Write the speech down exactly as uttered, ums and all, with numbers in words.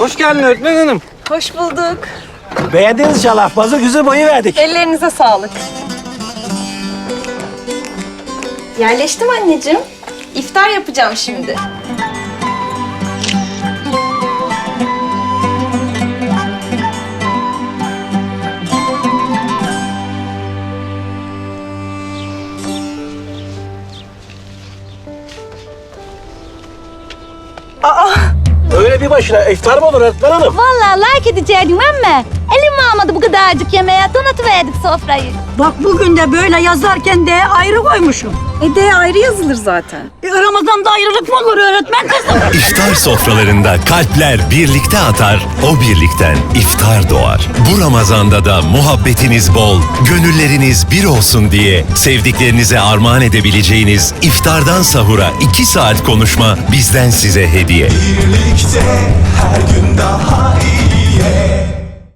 Hoş geldin öğretmen hanım. Hoş bulduk. Beğendiniz inşallah. Fazla güzel boyu verdik. Ellerinize sağlık. Yerleştim anneciğim. İftar yapacağım şimdi. Öyle bir başına iftar mı olur öğretmen hanım? Vallahi like edecektim ama elim almadı bu kadarcık yemeğe. Donatıverdik sofrayı. Bak bugün de böyle yazarken de ayrı koymuşum. E de ayrı yazılır zaten. E, Ramazan'da ayrılık mı olur öğretmen kızım? İftar sofralarında kalpler birlikte atar, o birlikten iftar doğar. Bu Ramazan'da da muhabbetiniz bol, gönülleriniz bir olsun diye sevdiklerinize armağan edebileceğiniz iftardan sahura iki saat konuşma bizden size hediye. Birlikte her gün daha